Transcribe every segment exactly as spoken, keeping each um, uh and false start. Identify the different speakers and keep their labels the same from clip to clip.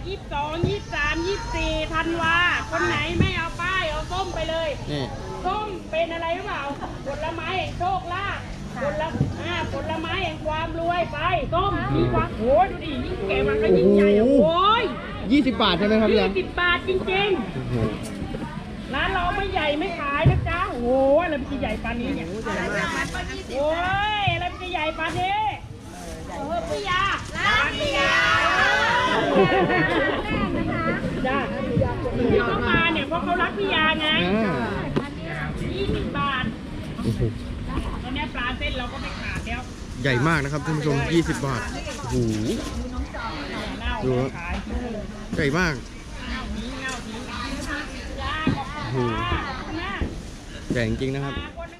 Speaker 1: ยี่สิบสองยี่สิบสามยี่สิบสี่ธันวาคนไหนไม่เอาป้ายเอาส้มไปเลยนี่ส้มเป็นอะไรหรือเปล่าผลไม้แห่งโชคลาภผลอ่าผลไม้แห่งความรวยไปส้มมีความโอ้ยดูดิยิ่งแก่มันก็ยิ่งใหญ่โอ้ย
Speaker 2: ยี่สิบบาทใช่ไหมครับพี่
Speaker 1: ยี่สิบบาทจริงๆร้านเราไม่ใหญ่ไม่ขายนะจ๊ะโอ้ยอะไรมันจะใหญ่ปานนี้เนี่ยโอ้ยอะไรมันจะใหญ่ปานนี้เออพี่ยาร้านพี่ยาจ้าที่เขามาเนี่ยเพราะเขารักพี่ยาไงยี่สิบบาทตอนนี้ปลาเส้นเราก็ไม่ขาดแล้ว
Speaker 2: ใหญ่มากนะครับท่านผู้ชมยี่สิบบาทโอ้โหดูใหญ่มากโอ้โหใหญ่จริงๆนะครับ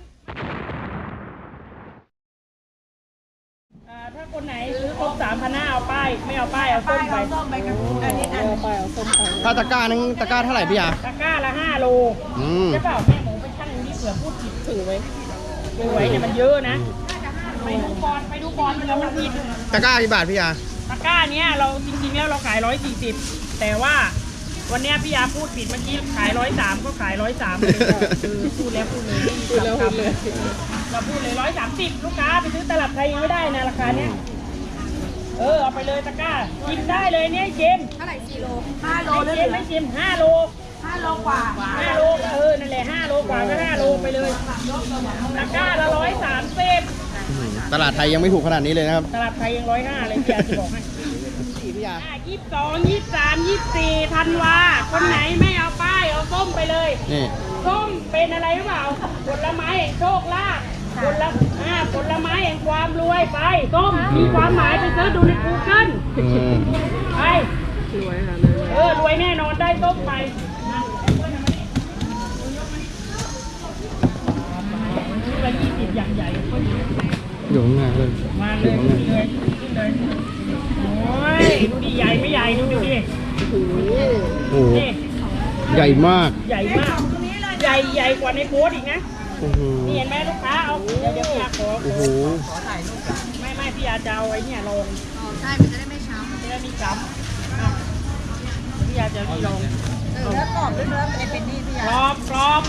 Speaker 1: ถ้าคนไหนซื้อครบสามพันห้าเอาป้ายไม่เอาป้ายเอาส้มไปเอาป้ายเอาส้มไป
Speaker 2: ถ้าตะกร้านึงตะกร้าเท่าไหร่พี่ยา
Speaker 1: ตะกร้าละห้าโลใช่เปล่าแม่หมูไปชั่งนี้เผื่อพูดผิดถือไว้ถือไว้เนี่ยมันเยอะนะไปดูบอลไปดูบอลมันแล้วมันผิด
Speaker 2: ตะกร้ากี่บาทพี่ยา
Speaker 1: ตะกร้าเนี้ยเราจริงๆแล้วเราขายร้อยสี่สิบแต่ว่าวันนี้พี่ยาพูดผิดเมื่อกี้ขายร้อยสามก็ขายร้อยสามเลยคือพูดแล้วพูดเลยพูดแล้วพูดเลยเราพูดเลยร้อยสามสิบลูกค้าไปซื้อตลาดไทยยังไม่ได้นะราคาเนี้ยเออเอาไปเลยตะกร้ากินได้เลยเนี่ยเจม
Speaker 3: เท่าไหร่สี่โลห้าโล
Speaker 1: เจมไม่เจมห้าโล
Speaker 3: ห้าโลกว่า
Speaker 1: ห้าโลเออนั่นแหละห้าโลกว่าก็ห้าโลไปเลยตะกร้าละร้อยสามสิบ
Speaker 2: ตลาดไทยยังไม่ถูกขนาดนี้เลยนะครับ
Speaker 1: ตลาดไทยยังร้อยห้าเลยพี่ยาจะบอกให้
Speaker 2: พี่ยา
Speaker 1: ยี่สิบสองยี่สิบสามยี่สิบสี่ธันวาคนไหนไม่เอาป้ายเอาส้มไปเลย
Speaker 2: นี่
Speaker 1: ส้มเป็นอะไรหรือเปล่าผลไม้แห่งโชคลาภผลอ่าผลไม้แห่งความรวยไปส้มมีความหมายไปเสิร์ชดูใน กูเกิล ไปรวยค่ะเออรวยแน่นอนได้ส้มไปละยี่สิบอย่างใหญ่
Speaker 2: อยู่ข้างหน้าเลย
Speaker 1: มาเลยเลยเลยโอ้ยดูดิใหญ่ไม่ใหญ่ดูดิ
Speaker 2: โอ้โหใหญ่มาก
Speaker 1: ใหญ่มากใหญ่ใหญ่กว่าในโพสอีกนะนี่เห็นไหมลูกค้าเอาเดี๋ยวเดี๋ยวพี่ยาขอ
Speaker 2: โอ้โห
Speaker 1: ไม่ไม่พี่ยาจะเอาไอ้เนี่ยลง
Speaker 3: อ๋อใช่มันจะได้ไม่ช้ำ
Speaker 1: จะได้ไม่ช้ำพี่ยาจะนี่ลง
Speaker 3: เนื้อกรอบด้วยเนื้อเป็นเป็นนี่พี่ยาก
Speaker 1: รอบกรอบ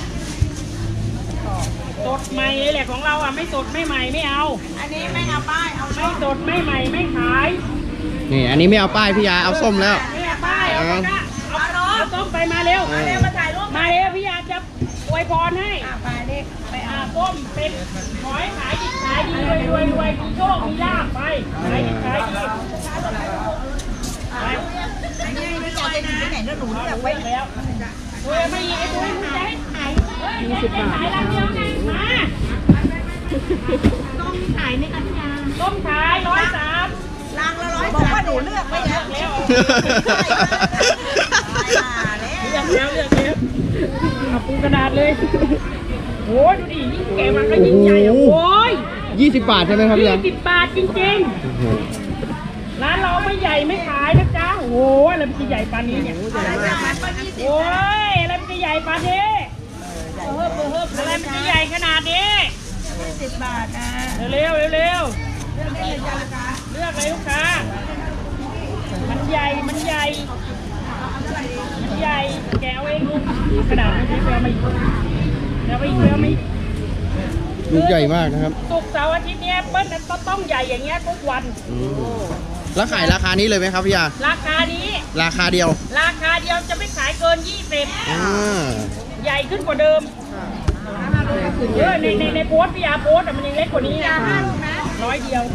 Speaker 1: สดใหม่เลยแหละของเราอ่ะไม่สดไม่ใหม่ไม่เอา
Speaker 3: อันนี้ไม่เอาป้ายเอา
Speaker 1: ไม่สดไม่ใหม่ไม่ขาย
Speaker 2: นี่อันนี้ไม่เอาป้ายพี่ยาเอาส้มแล้ว
Speaker 1: ไม่เอาป้ายเอาเอาเอาส้มไปมาเร็วมาเร็วมาถ่ายรูปมาเร็วพี่ยาจะอวยพรให้
Speaker 3: ไปเด็กไป
Speaker 1: เอาส้มเป็นขอให้ขายดีขายดีรวยรวยรวยมีโชคมีลาภไปขายดีขายดีไป
Speaker 3: อันนี้ไม่จะไปไหนแล้วหนูจะไป
Speaker 1: แล้วเฮ้ยไม่ยิงไอ้ตัวนี้จะให้ขายยี่สิบบาทขายลังเดียวไงมา
Speaker 3: ต้มขายในกันยา
Speaker 1: ต้มขายร้อยสาม
Speaker 3: ลังละร้อยบอกว่าหนูเลือกไม่เลือกแล้ว
Speaker 1: เลือกแล้วเลือกแล้วเอาปูกระดาษเลยโอ้ยดูดิยิ่งแก่มันก็ยิ่งใหญ่โอ้ย
Speaker 2: ยี่สิบบาทใช่ไหมครับพี่
Speaker 1: ยี่สิบบาทจริงๆร้านเราไม่ใหญ่ไม่ขายนะจ๊ะโอ้ยอะไรมันจะใหญ่ปานนี้เนี่ยโอ้ยอะไรมันจะใหญ่ปานนี้เฮ้ยเฮ้ยอะไรมันจะใหญ่ขนาดนี้
Speaker 3: ยี่สิบบาทนะ
Speaker 1: เร็วเร็วเร็วเลือกเลยลูกค้ามันใหญ่มันใหญ่มันใหญ่แกเอาเองลูกกระดาษไม่ใช่เปลือกไม่เดี๋ยวไปเปลือกไม่
Speaker 2: ลูกใหญ่มากนะครับ
Speaker 1: ศุกร์เสาร์อาทิตย์เนี้ยเปิ้ลนั้นต้องใหญ่อย่างเงี้ยทุกวัน
Speaker 2: แล้วขายราคานี้เลยไหมครับพี่ยา
Speaker 1: ราคานี้
Speaker 2: ราคาเดียว
Speaker 1: ราคาเดียวจะไม่ขายเกินยี่สิบใหญ่ขึ้นกว่าเดิมเออในในในโพสพี่ยาโพสแต่มันยังเล็กกว่านี้นะร้อยเดียว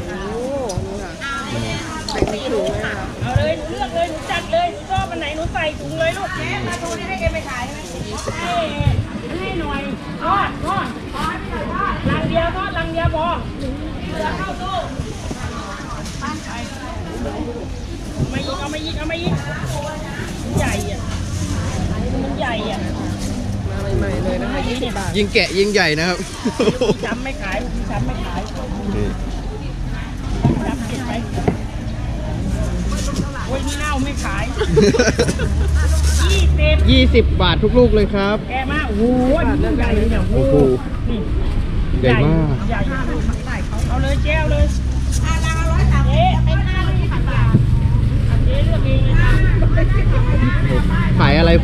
Speaker 1: เอาเลยหนูเลือกเลยหนูจัดเลยหนูชอบอันไหนหนูใส่ถุงเลยลูกแม่มาดูนี่ให้แกไปขายไหมให้ให้หน่อยทอดทอดลังเดียวทอดลังเดียวพอเหลือเข้าตู้มายิงเอามายิงเอามายิงใหญ่อ่ะมันใหญ่อ่ะ
Speaker 2: ใหม่ๆเลยนะคะยี่สิบบาทยิงแกะยิงใหญ่นะครับ
Speaker 1: ช้ำไม่ขายช้ำไม่ขายช้ำเก็บไปโอ้ยนี่เน่าไม่ขายยี่สิบ
Speaker 2: ยี่สิบบาททุกลูกเลยครับ
Speaker 1: แกมากโอ้โหใหญ่เลยเนี่ยโอ้โหนี่
Speaker 2: ใหญ่มาก
Speaker 1: ใหญ่เอาเลยเจ้าเลยอ่าละร้อยสามเอ๊ะเป็นห้าลูกสิบบาทเจ๊เลือกเองเลยนะ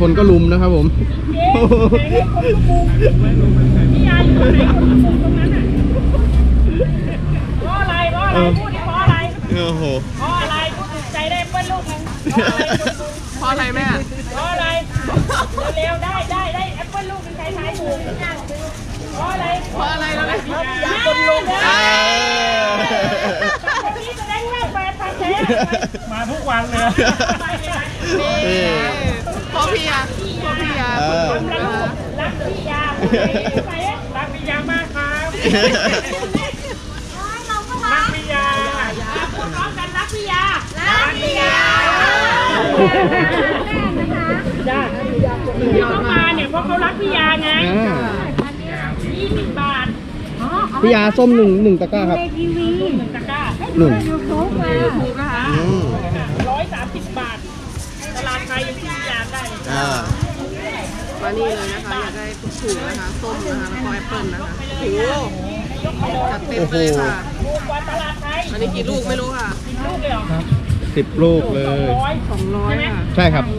Speaker 2: คนก็ลุมนะครับผม
Speaker 1: เจ๊ไหนๆคนก็มุงพี่ยาอยู่ตรงไหนคนก็มุงตรงนั้นอ่ะเพราะอะไรเพราะอะไรพูดดิเพราะอะไร
Speaker 2: โอ้โห
Speaker 1: เพราะอะไรพูดถึงใจได้เปิ้ลลูกนึงเพราะอะไรคนมุง
Speaker 4: เพราะอะไรแม่
Speaker 1: เพราะอะไรเร็วๆได้ได้ได้แอปเปิ้ลลูกนึงใครทายถูกเพราะอะไร
Speaker 4: เพราะอะไรแล้วแม่
Speaker 1: อยากคนลุงได้คนนี้แสดงว่าแฟนพันธุ์แท้มาทุกวันเลย
Speaker 4: นี่เพราะพี่ยาเพราะพี่ยา
Speaker 2: เออ
Speaker 4: คนลุกนะคะ
Speaker 1: รักพี่ยารักพี่ยามากครับรักพี่ยาพูดพร้อมกันรักพี่ยารักพี่ยาจ้าที่เขามาเนี่ยเพราะเขารักพี่ยาไง
Speaker 2: อ่า
Speaker 1: ยี่สิบบาท
Speaker 2: พี่ยาส้มหนึ่งหนึ่งตะกร้าครับ
Speaker 1: หนึ่งตะกร้า
Speaker 2: หนึ่ง
Speaker 4: ถูกนะคะ
Speaker 2: อืม
Speaker 1: ร้อยสามสิบบาทตลาดไทยยังพี่ยาได้เลย
Speaker 2: อ่า
Speaker 4: มานี่เลยนะคะอยากได้ถูกนะคะส้มนะคะแล้วก็แอปเปิ้ลนะคะโอ้โหจัดเต็มไปเลยค่ะ
Speaker 1: ถูกกว่าตลาดไทย
Speaker 4: อันนี้กี่ลูกไม่รู้ค่ะ
Speaker 1: ลูกเลยเหรอ
Speaker 2: สิบลูกเล
Speaker 1: สอง
Speaker 2: ย
Speaker 1: ร้อย
Speaker 4: สองร้อยค่ะ
Speaker 2: ใช่ครับ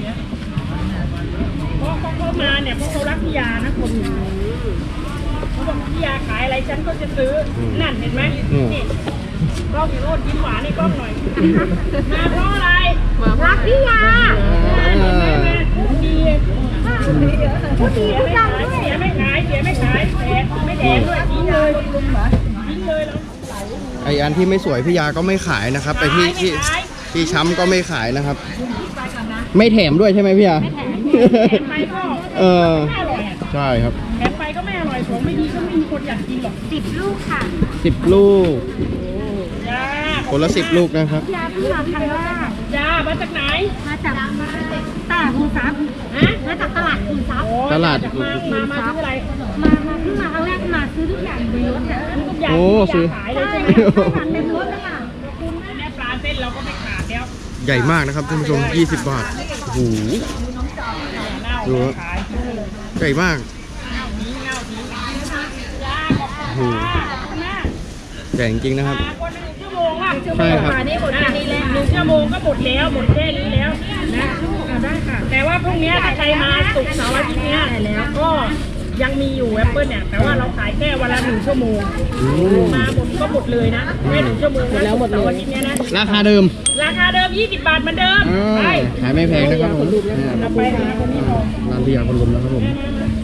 Speaker 1: เพราะเขาเข้ามาเนี่ยเพราะเขารักพี่ยานะคนนี้เขาบอกพี่ยาขายอะไรฉันก็จะซื้ออ
Speaker 2: ม
Speaker 1: นั่นเห็นไหม
Speaker 2: อืม
Speaker 1: นี่กล้องอยู่โน่นยิ้มหวานในกล้องหน่อย มาเพราะอะไร
Speaker 4: มารักพี่ยา
Speaker 1: เห็นไหมแม่พูดดีพูดดีไม่ขายเสียไม่ขายเสียไม่ขายแถมไม่แถมด้วยทิ้งเลยทิ้งเลยแล้ว
Speaker 2: ไออันที่ไม่สวยพี่ยาก็ไม่ขายนะครับไอที่ที่
Speaker 1: ไม่ขาย
Speaker 2: ที่ช้ำก็ไม่ขายนะครับ ไม่แถมด้วยใช่ไหมพี่ยา
Speaker 1: แถมไปก็
Speaker 2: เออ
Speaker 1: ไม่อร่อยอะ
Speaker 2: ใช่ครับ
Speaker 1: แถมไปก็ไม่อร่อยของไม่ดีก็ไม่มีคนอยากกินหรอกสิบลูกค่ะ
Speaker 2: สิบลูก
Speaker 1: จ้า
Speaker 2: คนละสิบลูกนะครับ
Speaker 3: ยาเพิ่งมาครั้งแรก
Speaker 1: จ้ามาจากไหน
Speaker 3: มาจากตลาดคูซับ
Speaker 1: ฮะ
Speaker 3: มาจากตลาดคูซับ
Speaker 1: โอ้ย
Speaker 2: ตลาด
Speaker 1: มมามามาซื้ออะไร
Speaker 3: มามาเพิ่งมาครั้งแรกมาซื้อทุกอย่างในรถเนี่ย
Speaker 1: ทุกอย่าง
Speaker 2: โอ้
Speaker 1: ที่
Speaker 2: ซื้อ
Speaker 1: ยาขายเลย
Speaker 3: ใช่
Speaker 1: ใช่ไหม
Speaker 3: ใช่ค่ะในรถเลยค่ะ
Speaker 1: คุณแม่ปลาเส้นเราก็ไม่ขาดแล้ว
Speaker 2: ใหญ่มากนะครับท่านผู้ชมยี่สิบบาท โอ้โห
Speaker 1: เน่า
Speaker 2: ดูครับ
Speaker 1: ขายทิ้งเลย
Speaker 2: ใหญ่มาก
Speaker 1: เน่าทิ้งเน่าทิ้งจ้าขอบคุณ
Speaker 2: โอ้โห
Speaker 1: ค่ะขอบคุณมาก
Speaker 2: ใหญ่จริงๆนะครับ
Speaker 1: มาคนหนึ่งชั่วโมงอ่ะ
Speaker 2: ใช่ครับ
Speaker 1: อันนี้หมดแค่นี้แล้วหนึ่งชั่วโมงก็หมดแล้วหมดแค่นี้แล้วนะเอาได้ค่ะ แต่ว่าพรุ่งนี้ถ้าใครมาศุกร์เสาร์อาทิตย์เนี้ยแล้วก็ยังมีอยู่แอปเปิลเนี่ย แต่ว่าเราขายแค่วันละหนึ่งชั่วโมง
Speaker 2: อืม
Speaker 1: มาหมดก็หมดเลยนะแค่หนึ่งชั่วโมงแล้วหมดเลยวันนี้นะ
Speaker 2: ราคาเดิม
Speaker 1: ราคาเดิมยี่สิบบาทเหมือนเดิม
Speaker 2: อ่า
Speaker 1: ไป
Speaker 2: ขายไม่แพงนะครับผม
Speaker 1: เราไปหาคนนี้พอ
Speaker 2: ร้านพี่ยาคนลุมนะครับผม
Speaker 1: มา